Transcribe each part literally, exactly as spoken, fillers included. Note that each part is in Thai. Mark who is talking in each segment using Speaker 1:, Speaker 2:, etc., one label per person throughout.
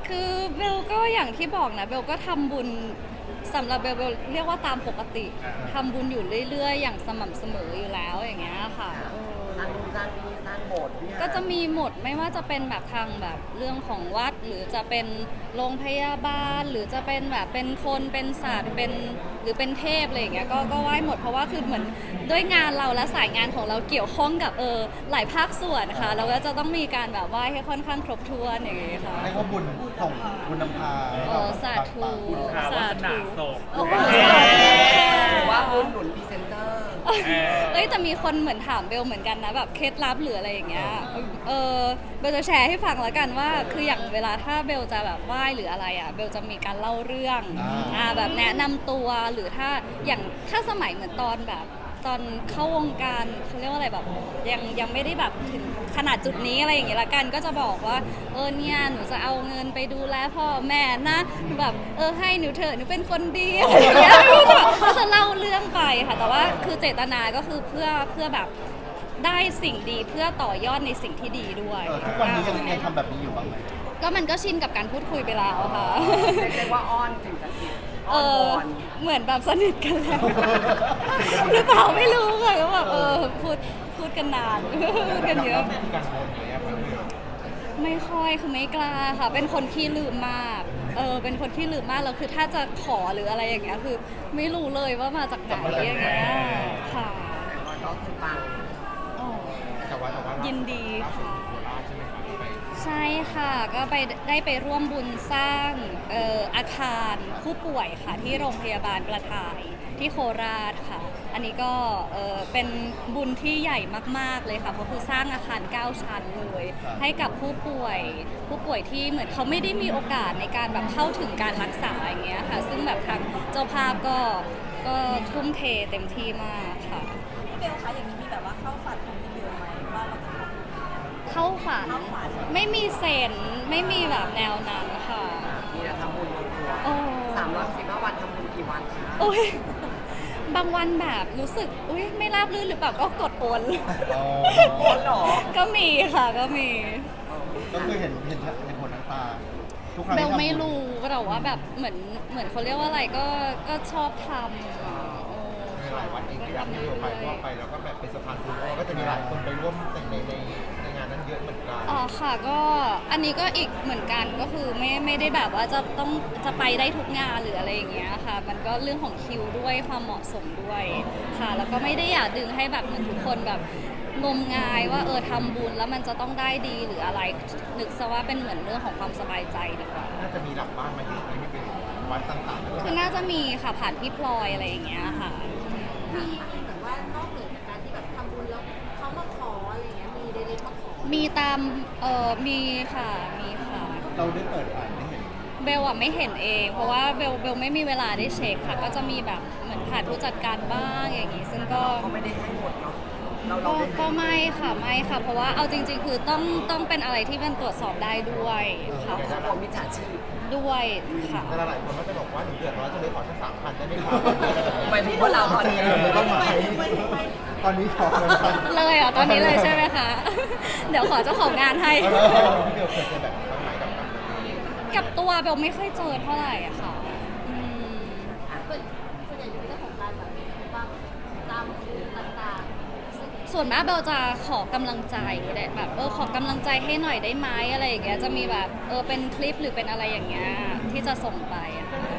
Speaker 1: คือเบลก็อย่างที่บอกนะเบลก็ทำบุญสำหรับเบลเบลเรียกว่าตามปกติทำบุญอยู่เรื่อยๆอย่างสม่ำเสมออยู่แล้วอย่างเงี้ยค่ะเออ
Speaker 2: สร้างสร้างที่สร้างโบสถ์วิหาร
Speaker 1: ก็จะมีหมดไม่ว่าจะเป็นแบบทางแบบเรื่องของวัด หรือจะเป็นโรงพยาบาล หรือจะเป็นแบบเป็นคนเป็นศาสตร์เป็นหรือเป็นเทพอะไรอย่างเงี้ยก็ก็ไหว้หมดเพราะว่าคือเหมือนด้วยงานเราและสายงานของเราเกี่ยวข้องกับเออหลายภาคส่วนค่ะเราก็จะต้องมีการแบบไหว้ให้ค่อนข้างครบถ้วนอย่างเงี้ยค่ะ
Speaker 3: เรียกว่าบุญส่งบุญนำพา
Speaker 1: เออสาธุ
Speaker 4: ข่าววาสนาส่ง
Speaker 1: โอ้โห
Speaker 2: หรือว่าบุญหนุนพรีเซนเตอร์
Speaker 1: เอ้ยแต่มีคนเหมือนถามเบลเหมือนกันนะแบบเคล็ดลับหรืออะไรอย่างเงี้ยเออเบลจะแชร์ให้ฟังแล้วกันว่าคืออย่างเวลาถ้าเบลจะแบบไหว้หรืออะไรอ่ะเบลจะมีการเล่าเรื่องอ่าแบบแนะนำตัวหรือถ้าอย่างถ้าสมัยเหมือนตอนแบบตอนเข้าวงการเขาเรียกว่าอะไรแบบยังยังไม่ได้แบบถึงขนาดจุดนี้อะไรอย่างเงี้ยละกันก็จะบอกว่าเออเนี่ยหนูจะเอาเงินไปดูแลพ่อแม่นะแบบเออให้หนูเถอะหนูเป็นคนดีอะไรอย่างเงี้ยไม่รู้จะแบบก็จะเล่าเรื่องไปค่ะแต่ว่าคือเจตนาก็คือเพื่อเพื่อแบบได้สิ่งดีเพื่อต่อยอดในสิ่งที่ดีด้วย
Speaker 3: เออทุกวันนี้ยังยังทำแบบนี้อยู่บ้างไหม
Speaker 1: ก็มันก็ชินกับการพูดคุยไปแล้วค่ะ
Speaker 2: เรียกว่าอ้อนสิ่งศักดิ์สิทธิ์
Speaker 1: เอ
Speaker 2: อ้อน
Speaker 1: อ
Speaker 2: วอน
Speaker 1: เหมือนแบบสนิทกันแล้วหรือเปล่าไม่รู้ค่ะก็แบบเออพูดพูดกันนานพูดกันเยอะ
Speaker 3: มีการโอนอะไรอย่างเงี้ย
Speaker 1: ไม่ค่อยคือไม่กล้าค่ะ เป็นคนขี้ลืมมากเออเป็นคนขี้ลืมมากแล้วคือถ้าจะขอหรืออะไรอย่างเงี้ยคือ ไม่รู้เลยว่ามาจากไหนอย่างเงี้ยค่ะ
Speaker 2: ก็คือปัง
Speaker 1: อ๋อ
Speaker 3: แต่ว่าแต่ว่า
Speaker 1: ยินดีค่ะ
Speaker 3: โคราชใช่ไหมครับที่ไป
Speaker 1: ใช่ค่ะก็ไปได้ไปร่วมบุญสร้างเอ่ออาคารผู้ป่วยค่ะที่โรงพยาบาลกระถ่ายที่โคราชค่ะ อันนี้ก็เอ่อเป็นบุญที่ใหญ่มากๆเลยค่ะเพราะคือสร้างอาคารเก้าชั้นเลยให้กับผู้ป่วยผู้ป่วยที่เหมือนเขาไม่ได้มีโอกาสในการแบบเข้าถึงการรักษาอย่างเงี้ยค่ะซึ่งแบบทางเจ้าภาพก็ก็ทุ่มเทเต็มที่มากค่ะ
Speaker 5: พี่เบลคะอย่างนี้มีแบบว่าเข้าฝันของพี่เบลไหมว่าเราจะทำ
Speaker 1: เข้าฝัน
Speaker 5: เข้าฝัน
Speaker 1: ไม่มีเซนไม่มีแบบแนวนั้นค่ะ
Speaker 2: มีแต่ทำบุญรวมตัว
Speaker 1: โอ้
Speaker 2: สามร้อยสิบห้าวันทำบุญกี่วันคะ
Speaker 1: โอ้ยบางวันแบบรู้สึกอุ้ยไม่ราบรื่นหรือเปล่าก็กดโอน
Speaker 3: อ๋อ
Speaker 2: โอนเหรอ
Speaker 1: ก็มีค่ะก็มี
Speaker 3: ก็คือเห็นเห็นเห็นผลทั้งตาทุกครั้ง
Speaker 1: เบ
Speaker 3: ที่
Speaker 1: ล
Speaker 3: ทำบุญ
Speaker 1: ไม่รู้แต่ว่าแบบเหมือนเหมือนเขาเรียกว่าอะไรก็ก็ชอบทำอ่ะโอ้
Speaker 3: มีหลายวัดเองที่อยากให้เราไปเพราะว่าไปแล้วก็แบบเป็นสะพานบุญแล้วก็จะมีหลายคนไปร่วมในในในในงานนั้นเยอะเหมือนกัน
Speaker 1: อ๋อค่ะก็อันนี้ก็อีกเหมือนกันก็คือไม่ไม่ได้แบบว่าจะต้องจะไปได้ทุกงานหรืออะไรอย่างเงี้ยค่ะ มันก็เรื่องของคิวด้วยความเหมาะสมด้วยค่ะ แล้วก็ไม่ได้อยากดึงให้แบบเหมือนทุกคนแบบงมงายว่าเออทำบุญแล้วมันจะต้องได้ดีหรืออะไรนึกซะว่าเป็นเหมือนเรื่องของความสบายใจดีกว่า
Speaker 3: น่าจะมีหลังบ้านมาเยอะไหมไม่เป็นวัดต่างๆแล้วก็
Speaker 1: คือน่าจะมีค่ะผ่านพี่พลอยอะไรอย่างเงี้ยค่ะ
Speaker 5: มีแบบว่านอกเหนือจากการที่แบบทำบุญแล้วเขามาขออะไรเงี้ยมีเดลิมาขอ
Speaker 1: มีตามเออมีค่ะมีค่ะ
Speaker 3: เราได้เปิดอ่านได้เห็น
Speaker 1: เบลอะไม่เห็นเอง เพราะว่าเบลเบลไม่มีเวลาได้เช็คค่ะ ก็จะมีแบบเหมือนผ่านผู้จัดการบ้างอย่างงี้ ซึ่งก็
Speaker 2: ก็ไม่ได้ให้หมดเนาะเราเรา
Speaker 1: ก็
Speaker 2: ได้
Speaker 1: ก็ไม่ค่ะไม่ค่ะ เพราะว่าเอาจริง ๆ คือต้องต้องเป็นอะไรที่มันตรวจสอบได้ด้วยค่ะ
Speaker 2: เขากลัวมิจฉาชีพ
Speaker 1: ด้วยค่ะ
Speaker 3: แต่หลายคนก็จะบอกว่าหนูเดือดร้อนจะเลยขอสักสามพันได้ไหมครับ
Speaker 2: หมายถึงพวกเราตอนนี้
Speaker 3: ต้องมาตอนนี้ขอเงินพัน
Speaker 1: เลยเหรอตอนนี้เลยใช่ไหมคะ เดี๋ยวขอเจ้าของงานให้
Speaker 3: เพี่เบลเคยเจอแบบนี้บ้างไหมกับกับ
Speaker 1: กับตัวเบลไม่ค่อยเจอเท่าไหร่อะค่ะอืม
Speaker 5: ส่วนส่วนใหญ่จะเป็นเรื่องของการแบบว่าตามบุญต่าง
Speaker 1: ส่วนมากเบลจะขอกำลังใจแหละแบบเออขอกำลังใจให้หน่อยได้ไหมอะไรอย่างเงี้ยจะมีแบบเออเป็นคลิปหรือเป็นอะไรอย่างเงี้ยที่จะส่งไปอะค่ะ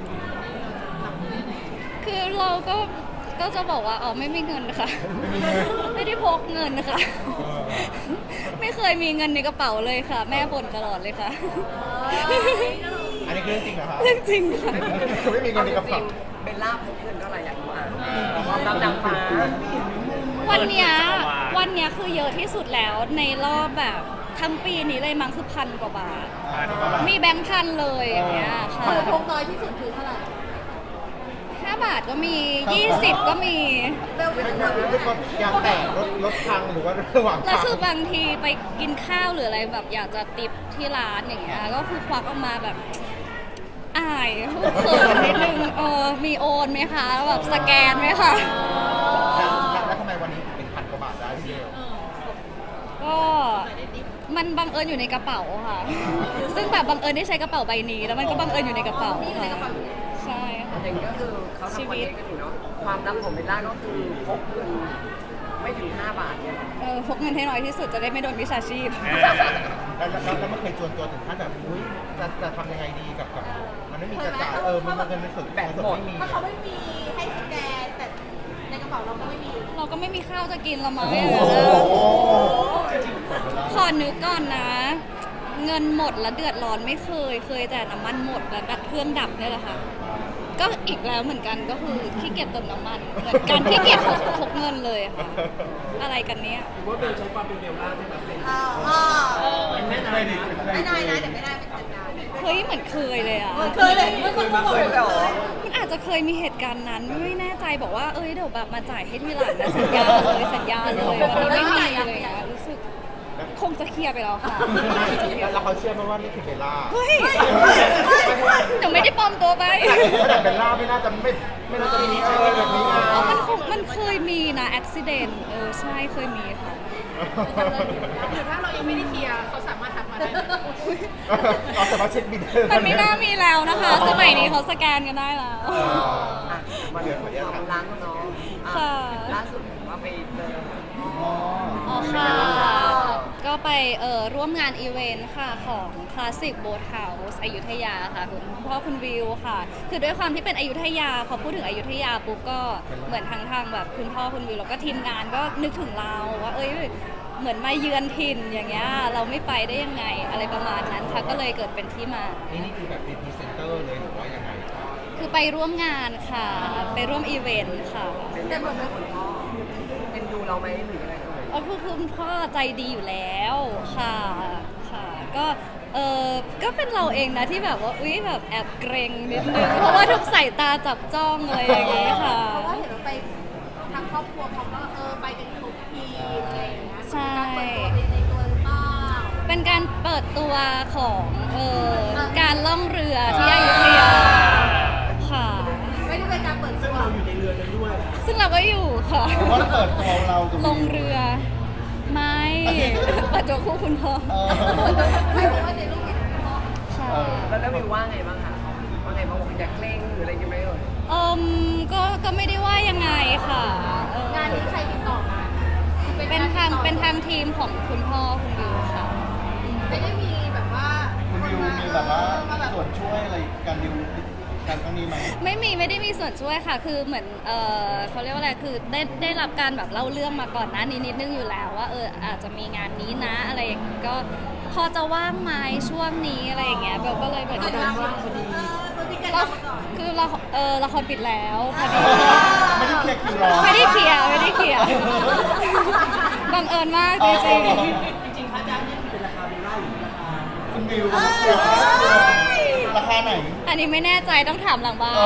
Speaker 1: คือเราก็ก็จะบอกว่าอ๋อไม่มีเงินค่ะ ไม่ได้พกเงินค่ะ ไม่เคยมีเงินในกระเป๋าเลยค่ะ แม่บ่นตลอดเลยค่ะ
Speaker 3: อันนี้คือเรื่องจริงเหรอครับ
Speaker 1: เรื่องจริงค่ะ
Speaker 3: ไม่มีเงิ
Speaker 2: เอา
Speaker 3: นใน
Speaker 2: จ
Speaker 3: กระ
Speaker 2: ริ
Speaker 3: เป๋าง
Speaker 2: ๆเบลล่าพกเงินเท่าไหร่อยากรู้อ่ะความรักนางฟ้า
Speaker 1: วันเนี้ยวันเนี้ยคือเยอะที่สุดแล้วในรอบแบบทั้งปีนี้เลยมั้งคือพันกว่าบาท มีแบงค์พันเลยอย่างเงี้ยค่ะ
Speaker 5: ๆพกน้อยที่สุดคือเท่าไหร่
Speaker 1: ห้าบาทก็มียี่สิบก็มี
Speaker 5: เบลเป็น
Speaker 3: ไม่
Speaker 5: คน
Speaker 3: ไม่ไม่ยางแตกรถรถพังหรือว่าระหว่าง
Speaker 1: แล้ว
Speaker 3: ทาง
Speaker 1: คือบางทีไปกินข้าวหรืออะไรแบบอยากจะติปที่ร้านอย่างเงี้ยก็คือควักออกมาแบบอายเขินนิดนึงเออมีโอนไหมคะแบบสแกนไหมคะ
Speaker 3: แล้วแล้วทำไมวันนี้ถึงเป็นพันกว่าบาทได้พี่เบล
Speaker 1: ก็มันบังเอิญอยู่ในกระเป๋าค่ะ ซึ่งแบบบังเอิญได้ใช้กระเป๋าใบนี้ แล้วมันก็บังเอิญอยู่ในกระเป๋า
Speaker 5: นี่อยู่ในกระเป๋า
Speaker 1: ใช่ค่ะ
Speaker 2: อย่างนี้ก็คือเขาทำคอนเทนต์กันอยู่เนาะความลับของเบลล่าก็คือพกเงินไม่ถึงห้าบาทเนี่ย
Speaker 1: เออพกเงินให้น้อยที่สุดจะได้ไม่โดนวิชาชีพ
Speaker 3: แล้วแล้วแล้วมันเคยจวนตัวถึงขั้นแบบอุ้ยจะจะทำยังไงดีกับกับมันไม่มีจะจ่ายเออมันมันเงินในส่วนแต่ส่วนไม่มี
Speaker 5: ถ้าเขาไม่มีให้สแกนแต่ในกระเป๋าเราก็ไม่มี
Speaker 1: เราก็ไม่มีข้าวจะกินละมั้ง
Speaker 3: โอ้
Speaker 1: เนี่ย
Speaker 3: โห
Speaker 1: ขอนึกก่อนนะ เงินหมดแล้วเดือดร้อนไม่เคย เคยแต่น้ำมันหมดแล้วดับเครื่องดับเนี่ยแหละค่ะ ก็อีกแล้วเหมือนกันก็คือขี้เกียจเติมน้ำมันเหมือนกันขี้เกียจพกพกเงินเลยค่ะ อะไรกันเนี้ย
Speaker 2: ว่าเบลใช้ความเป็นเบลล่าได้ไหมเซ็น
Speaker 5: อ่าอ่า
Speaker 2: เป็นแม่นายนะ
Speaker 5: ไม่ได้นะเดี๋ยวไม่ได้เป็นจัดการ
Speaker 1: เฮ้ยเหมือนเคยเลยอ่ะ
Speaker 5: เคยเลยไม่เคยมาเคยเลยเหรอ
Speaker 1: มันอาจจะเคยมีเหตุการณ์นั้นไม่แน่ใจบอกว่าเอ้ยเดี๋ยวแบบมาจ่ายให้ทีหลังนะสัญญาเลยสัญญาเลยวันนี้ไม่มีเลยอะรู้สึกคงจะเคลียร์ไปแล้วค่ะ
Speaker 3: แล้วเขาเชื่อไหมว่านี่คือเบลล่า
Speaker 1: เฮ้ยหนูไม่ได้ปลอมตัวไป
Speaker 3: แต่เบลล่าไม่น่าจะไม่ไม่น่าจะมีเออแบบนี้ไง
Speaker 1: เออมันคงมันเคยมีนะอุบิเหตุเออใช่เคยมีค่ะ
Speaker 5: หรือถ้าเรายังไม่ได้เคลียร์เขาสามารถทักมาได้
Speaker 3: เอาแต่ว่าเช็คบิน
Speaker 1: มันไม่น่ามีแล้วนะคะ สมัยนี้เขาสแกนกันได้แล้ว
Speaker 2: อ่ะมาเดี๋ยวขออนุญาตความรักเนาะอ่ะ
Speaker 1: ค่ะ
Speaker 2: ล่าสุดเห็นว่าไปเจอ
Speaker 1: อ๋อค่ะ ก็ไปเอ่อร่วมงานอีเวนต์ค่ะของคลาสสิกโบสเฮาส์อยุธยาค่ะคุณพ่อคุณวิวค่ะ คือด้วยความที่เป็นอยุธยาพอพูดถึงอยุธยาปุ๊บก็เหมือนทางทางแบบคุณพ่อคุณวิวแล้วก็ทีมงานก็นึกถึงเราว่าเอ้ยเหมือนมาเยือนถิ่นอย่างเงี้ยเราไม่ไปได้ยังไงอะไรประมาณนั้นค่ะก็เลยเกิดเป็นที่มา
Speaker 3: นี่นี่คือแบบเป็นพรีเซนเตอร์เลยหรือว่ายังไง
Speaker 1: คือไปร่วมงานค่ะ ไปร่วมอีเวนต์ค่ะ
Speaker 2: เป็นแต่เหมือนคนพ่อเป็นดูเราไหมหรืออะไรเอ่ย
Speaker 1: อ๋อคือคุณพ่อใจดีอยู่แล้วค่ะค่ะ ก็เออก็เป็นเราเองนะที่แบบว่าอุ๊ยแบบแอบเกรงนิดนึงเพราะว่าทุกสายตาจับจ้องอะไรอย่างเงี้ยค่ะ
Speaker 5: เพราะว่าเห็นว่าไปทางครอบครัวเขาก็เออไปกันครบทีมอะไรอย่างเงี้ย
Speaker 1: ใช่
Speaker 5: การเปิดตัวในตัวหรือเปล่า
Speaker 1: เป็นการเปิดตัวของเออการล่องเรือที่อยุธยาค่ะ
Speaker 5: ไม่ได้เป็นการเปิดตัว
Speaker 1: ซึ่งเราก็อยู่ค่ะ
Speaker 3: เพราะว่าเปิดตัวเรากับ
Speaker 1: ลงเรือ ไม่เปิดตัวคู่คุณพ่อ
Speaker 3: เออ
Speaker 5: ไม่รู้ว่าในรูปเห็นพ่อ
Speaker 1: ค่ะ
Speaker 2: แล้วแล้ววิวว่าไงบ้างคะว่าไงบ้างบอกอยากเล่งหรืออะไรกันไหมเอ่ย
Speaker 1: เอมก็ก็ไม่ได้ว่ายังไงค่ะเออง
Speaker 5: านนี้ใครติดต่อมา
Speaker 1: เป็นทางเป็นทางทีมของคุณพ่อคุณวิวค่ะ
Speaker 5: ไม่ได้มีแบบว่า
Speaker 3: คุณวิวมีแบบว่า
Speaker 5: มาแบบ
Speaker 3: ส่วนช่วยอะไรการดิวการครั้งนี้ไหม
Speaker 1: ไม่มีไม่ได้มีส่วนช่วยค่ะ คือเหมือนเออเขาเรียกว่าอะไรคือได้ได้รับการแบบเล่าเรื่องมาก่อนหน้านี้นิดนึงอยู่แล้วว่าเอออาจจะมีงานนี้นะอะไรอย่างงี้ก็พอจะว่างไหมช่วงนี้อะไรอย่างเงี้ยเบลก็เลยแบบ
Speaker 5: เออมันมีการ
Speaker 1: ก็
Speaker 5: ทำมาก่อน
Speaker 1: คือเราเออละครปิดแล้วพอดี
Speaker 3: ไม่ได้เคลียร์คิวรอ
Speaker 1: ไม่ได้เคลียร์ไม่ได้เคลียร์บังเอิญมากจริง
Speaker 3: จริง
Speaker 2: จริงๆค่าจ้างนี่คือเป็นราคาเบลล่าหรือราคา
Speaker 3: คุณวิวราคาไหน
Speaker 1: ๆอันนี้ไม่แน่ใจต้องถามหลังบ้าน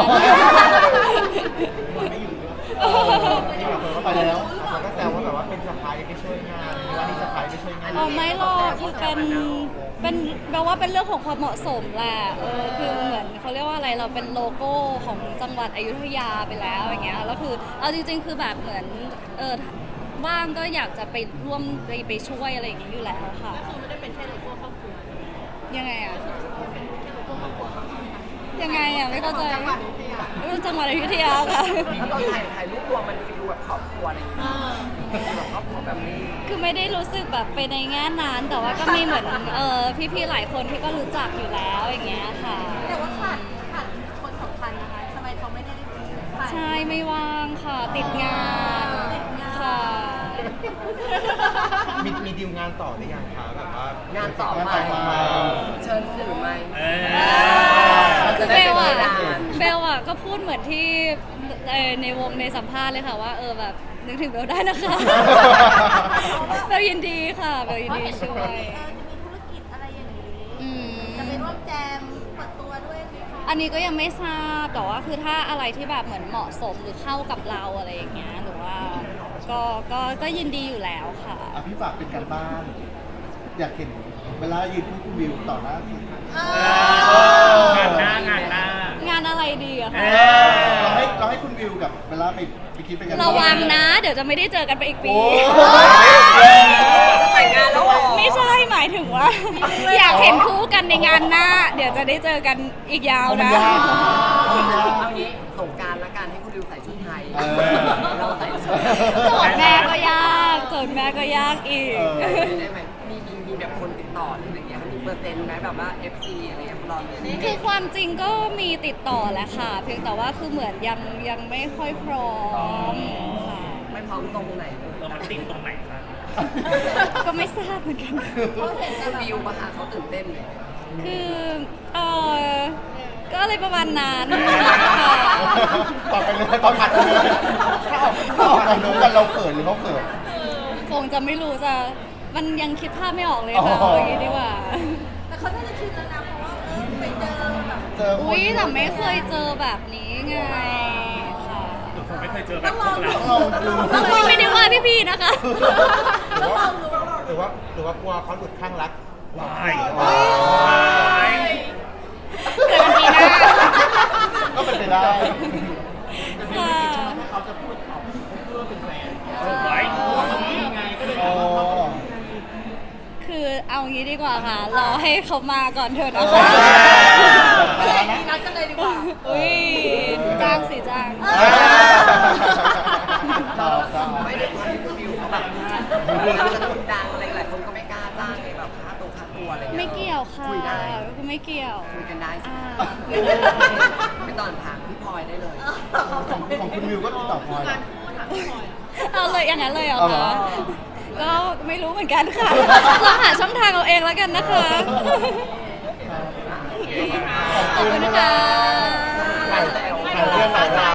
Speaker 3: ไม่อยู่นี่แบบคนก็ไปแล้วเขาก็แซวว่าแบบว่าเป็นสะพายไปช่วยงานว่านี่สะพายไปช่วยงาน
Speaker 1: อ๋อไม่หรอกคือเป็นเป็นแปลว่าเป็นเรื่องของความเหมาะสมแหละเออคือเหมือนเขาเรียกว่าอะไรเราเป็นโลโก้ของจังหวัดอยุธยาไปแล้วอย่างเงี้ยแล้วคือเอาจริงๆคือแบบเหมือนเออว่างก็อยากจะไปร่วมไปไปช่วยอะไรอย่างงี้อยู่แล้วค่ะ
Speaker 5: คือไม่ได้เป็นแค่โลโก้ครอบครัว
Speaker 1: ยังไงอะ
Speaker 5: เป็นแค่โลโก้ครอบครัวเขา
Speaker 1: ยังไงอะไม่เข้าใจ
Speaker 5: จังหวัดอยุธยา
Speaker 1: เออจังหวัดอยุธยาค่ะ
Speaker 2: แล้วตอนถ่ายถ่ายรูปรวมมันฟีลแบบครอบครัวอะไรอย่างเงี้ยแบบครอบครัวแบบนี้
Speaker 1: คือไม่ได้รู้สึกแบบไปในแง่นั้นแต่ว่าก็มีเหมือนเออพี่ๆหลายคนที่ก็รู้จักอยู่แล้วอย่างเงี้ยค่ะ
Speaker 5: แต่ว่าขาดขาดคนสำคัญนะคะทำไมเขาไม่ได้ถ่าย
Speaker 1: ใช่ไม่ว่างค่ะติดงาน
Speaker 5: ติดงาน
Speaker 1: ค่ะ
Speaker 3: มีมีดีลงานต่อหรือยังคะแบบว่าง
Speaker 2: านต่อไป
Speaker 3: งานต่อมา
Speaker 2: เชิญสื่อไหม
Speaker 1: คือเบลอะเบลอะก็พูดเหมือนที่เอ่อในวงในสัมภาษณ์เลยค่ะว่าเออแบบนึกถึงเบลได้นะคะ เบลยินดีค่ะเบลยินดีช่วย
Speaker 5: เออจะมีธุรกิจอะไรอย่างนี้
Speaker 1: อืม
Speaker 5: จะไปร่วมแจมเปิดตัวด้วยไหมคะ
Speaker 1: อันนี้ก็ยังไม่ทราบแต่ว่าคือถ้าอะไรที่แบบเหมือนเหมาะสมหรือเข้ากับเราอะไรอย่างเงี้ยหรือว่าก็ก็ก็ยินดีอยู่แล้วค่ะ
Speaker 3: อ่ะพี่ฝากเป็นการบ้าน อยากเห็นเวลายืนคู่คุณวิวต่อหน้าสื่อ
Speaker 5: เออ
Speaker 4: งานหน้างานหน้าง
Speaker 1: านอะไรดีอะคะ
Speaker 4: เออ
Speaker 3: เราให้เราให้คุณวิวกับเวลาไปไปคิดเป็นกัน
Speaker 1: ระวังนะ เดี๋ยวจะไม่ได้เจอกันไปอีกปี
Speaker 3: โอ้
Speaker 2: จะแต่งงานแล้วเหรอ
Speaker 1: ไม่ใช่หมายถึงว่า อยากเห็นคู่กันในงานหน้า เดี๋ยวจะได้เจอกันอีกยาว
Speaker 3: มัน
Speaker 1: นะ
Speaker 3: ยากมันยาก
Speaker 2: เอางี้สงกรารละกันให้คุณดิวใส่ชุดไทย
Speaker 3: เออ
Speaker 2: เราใส่ชุด
Speaker 1: โจทย์แม่ก็ยากโจทย์แม่ก็ยากอีก
Speaker 3: เออ
Speaker 2: ได้ไหมมีมีมีแบบคนติดต่อหรืออะไรอย่างเงี้ยมีเปอร์เซ็นต์ไหมแบบว่า เอฟ ซี อะไรเงี้ยรอเลย
Speaker 1: คือความจริงก็มีติดต่อแหละค่ะ เพียงแต่ว่าคือเหมือนยังยังไม่ค่อยพร้อมค่ะ
Speaker 2: ไม่พร้อมตรงไหนเลย
Speaker 4: เรามันติดตรงไหนคะ
Speaker 1: ก็ไม่ทราบเหมือนกัน
Speaker 2: คุณดิวมาหาเขาตื่นเต้นเลย
Speaker 1: คือเออก็อะไรประมาณนั้นค่ะ
Speaker 3: ต่อไปเลยตอนผัดไปเลยถ้าออกถ้าออกกันรู้กันเราเขินหรือเขาเขิน
Speaker 1: คงจะไม่รู้จะมันยังคิดภาพไม่ออกเลยค่ะ
Speaker 3: อ๋อ
Speaker 1: เอาอย่างนี้ดีกว่า
Speaker 5: แต่เขาน่าจะชินแล้วนะเพราะว่าเออไปเจอแบบ
Speaker 3: เจอคน
Speaker 1: อุ้ยแต่ไม่เคยเจอแบบนี้ไงค่ะ
Speaker 4: ผมไม่เคยเจอแบบพวกเรา
Speaker 3: ต้องลองดู
Speaker 1: ไม่ได้ว่าพี่ๆนะคะ
Speaker 3: หรือว่าหรือว่าหรือว่ากลัวเขาหลุดข้างรัก
Speaker 4: วาย
Speaker 3: ว้าว
Speaker 1: เกิดปีหน้า
Speaker 3: ก็เป็นไปได้
Speaker 1: ค่ะ
Speaker 4: ไว้
Speaker 3: อ๋อ
Speaker 1: คือเอางี้ดีกว่าค่ะ รอให้เขามาก่อนเถอะ
Speaker 3: เอ
Speaker 1: นะ
Speaker 3: อ
Speaker 1: คะ
Speaker 5: มีนัดกันเลยดีกว่า
Speaker 1: อุ้ยจ้างสิจ้าง
Speaker 3: ชอบชอบ
Speaker 2: ไม่ได้ความที่คุณดิวเขาแบบเราจะคนดังอะไรหลายคนก็ไม่กล้าจ้างไงแบบค่าตัวค่าตัวอะไรเงี้ย
Speaker 1: ไม่เกี่ยวค่ะ
Speaker 2: คุยได้
Speaker 1: คือไม่เกี่ยว
Speaker 2: คุยกันได้ใช่
Speaker 1: อ่า
Speaker 2: ไหม
Speaker 1: คุยได้
Speaker 2: ไม่ตอนถามพี่พลอยได้เลย
Speaker 3: ของของคุณวิวก็ติดต่อพลอยเหรอ
Speaker 1: เอาเลยอย่างนั้นเลยเหรอ
Speaker 3: เอาเหรอ
Speaker 1: คะก็ไม่รู้เหมือนกันค่ะลองหาช่องทางเอาเองแล้วกันนะคะ ขอบคุณค่ะ
Speaker 3: หลายหลายเรื่องหลายราว